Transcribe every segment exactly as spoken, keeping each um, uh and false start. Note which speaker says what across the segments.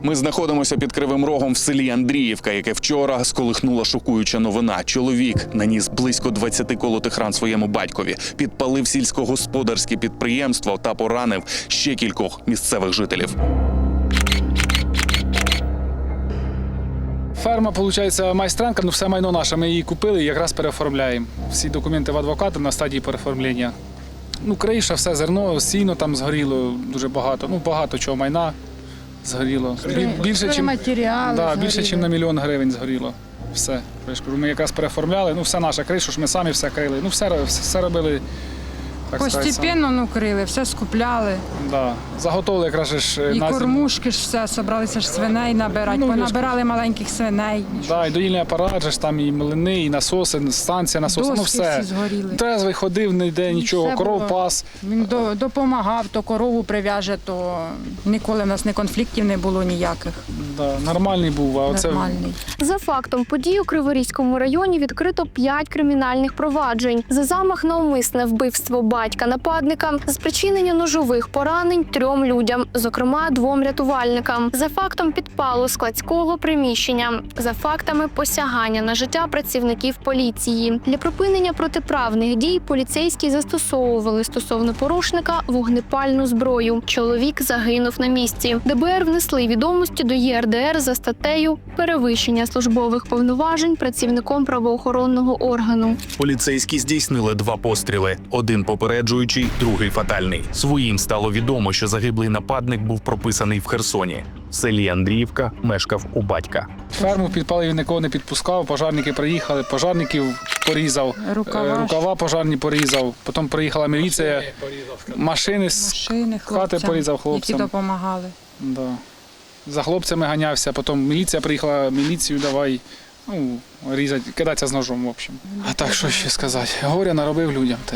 Speaker 1: Ми знаходимося під Кривим Рогом в селі Андріївка, яке вчора сколихнула шокуюча новина. Чоловік наніс близько двадцяти колотих ран своєму батькові, підпалив сільськогосподарське підприємство та поранив ще кількох місцевих жителів.
Speaker 2: Ферма, виходить, майстренка, ну все майно наше. Ми її купили і якраз переоформляємо. Всі документи в адвоката на стадії переоформлення. Ну, криша, все зерно, сіно там згоріло дуже багато. Ну, багато чого майна згоріло. Більше, чим, да, більше, ніж на мільйон гривень згоріло. Все. Я ж кажу, ми якраз переоформляли, ну все наша криша, ж ми самі все крили. Ну, все, все робили.
Speaker 3: Постепенно ну, крили, все скупляли.
Speaker 2: Да. Заготовили якраз ж
Speaker 3: І
Speaker 2: на зиму.
Speaker 3: кормушки ж все, собралися ж свиней набирати,
Speaker 2: Ну,
Speaker 3: понабирали маленьких свиней.
Speaker 2: Да, і доїльний апарат, же ж там і млини, і насоси, станція насоси, ну
Speaker 3: Доски
Speaker 2: все.
Speaker 3: всі згоріли.
Speaker 2: Трезвий ходив, ніде нічого,
Speaker 3: Все
Speaker 2: коров
Speaker 3: було.
Speaker 2: пас.
Speaker 3: Він до- допомагав, то корову прив'яже, то ніколи в нас не конфліктів не було ніяких.
Speaker 2: Да, нормальний був, а оце
Speaker 3: Нормальний.
Speaker 4: За фактом подій у Криворізькому районі відкрито п'ять кримінальних проваджень. За замах на умисне вбивство батька нападника, за спричинення ножових поранень трьом людям, зокрема двом рятувальникам. За фактом підпалу складського приміщення. За фактами посягання на життя працівників поліції. Для припинення протиправних дій поліцейські застосовували стосовно порушника вогнепальну зброю. Чоловік загинув на місці. ДБР внесли відомості до Є Р Д Р за статтею «Перевищення службових повноважень працівником правоохоронного органу».
Speaker 5: Поліцейські здійснили два постріли. Один попереджуючий, другий фатальний. Своїм стало відомо, що загиблий нападник був прописаний в Херсоні. В селі Андріївка мешкав у батька.
Speaker 2: ферму підпалив, він нікого не підпускав, пожарники приїхали, пожарників порізав,
Speaker 3: Рукава
Speaker 2: е,
Speaker 3: ж.
Speaker 2: рукава пожарні порізав, потім приїхала міліція, машини з
Speaker 3: Машини
Speaker 2: хати
Speaker 3: хлопцям,
Speaker 2: порізав
Speaker 3: які
Speaker 2: хлопцям.
Speaker 3: допомагали.
Speaker 2: Да. За хлопцями ганявся, потім міліція приїхала, міліцію давай, ну, різати, кидатися з ножом, в общем. А так, що ще сказати, горя наробив людям, та й,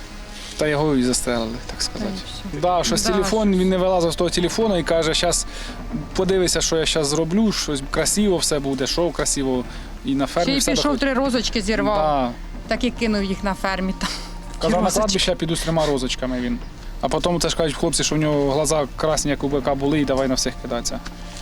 Speaker 2: та його і застрелили, так сказати. Да, щось
Speaker 3: Да.
Speaker 2: телефон, він не вилазив з того телефону і каже, зараз подивися, що я зараз зроблю, щось красиво все буде, шоу красиво, і на фермі
Speaker 3: Ще й
Speaker 2: все
Speaker 3: пішов,
Speaker 2: доходить.
Speaker 3: три розочки зірвав,
Speaker 2: Да.
Speaker 3: так і кинув їх на фермі. Там.
Speaker 2: Казав, на
Speaker 3: розочки.
Speaker 2: кладбище я піду з трьома розочками він. А потім це ж кажуть хлопці, що в нього глаза красні, як у бика були, і давай на всіх кидатися.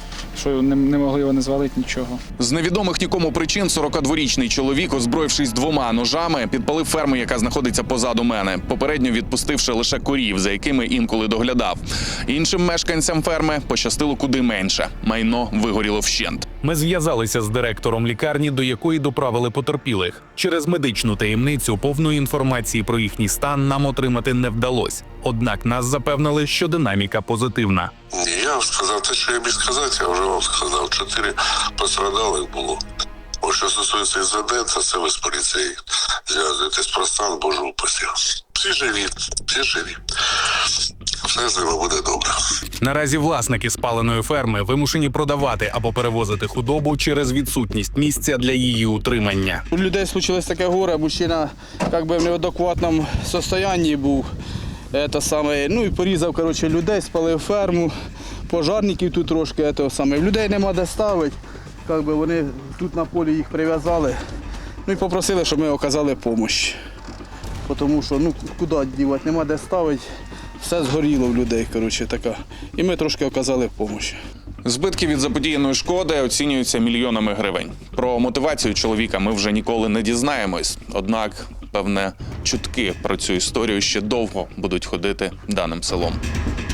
Speaker 2: Що не, не могли його не звалити, нічого.
Speaker 1: З невідомих нікому причин сорокадворічний чоловік, озброївшись двома ножами, підпалив ферму, яка знаходиться позаду мене, попередньо відпустивши лише корів, за якими інколи доглядав. Іншим мешканцям ферми пощастило куди менше. Майно вигоріло вщент.
Speaker 5: Ми зв'язалися з директором лікарні, до якої доправили потерпілих. Через медичну таємницю повної інформації про їхній стан нам отримати не вдалося. Однак нас запевнили, що динаміка позитивна.
Speaker 6: Ні, я вам сказав те, що я міг сказати, я вже вам сказав. Чотири пострадалих було. О, що стосується із ВД, це все ви з поліцією зв'язуєтесь про стан, Боже упаси. Всі живі, всі живі. Все з ними буде добре.
Speaker 5: Наразі власники спаленої ферми вимушені продавати або перевозити худобу через відсутність місця для її утримання.
Speaker 7: У людей случилось таке горе, мужчина як би в неадекватному стані був. Це саме, ну і порізав коротше, людей, спалив ферму, пожарників тут трошки. Це саме. Людей нема де ставити, як би вони тут на полі їх прив'язали. Ну і попросили, щоб ми оказали допомогу. Тому що ну, куди дівати, нема де ставити, все згоріло в людей. Коротше, така. І ми трошки оказали допомогу.
Speaker 1: Збитки від заподіяної шкоди оцінюються мільйонами гривень. Про мотивацію чоловіка ми вже ніколи не дізнаємось. Однак, певне, чутки про цю історію ще довго будуть ходити даним селом.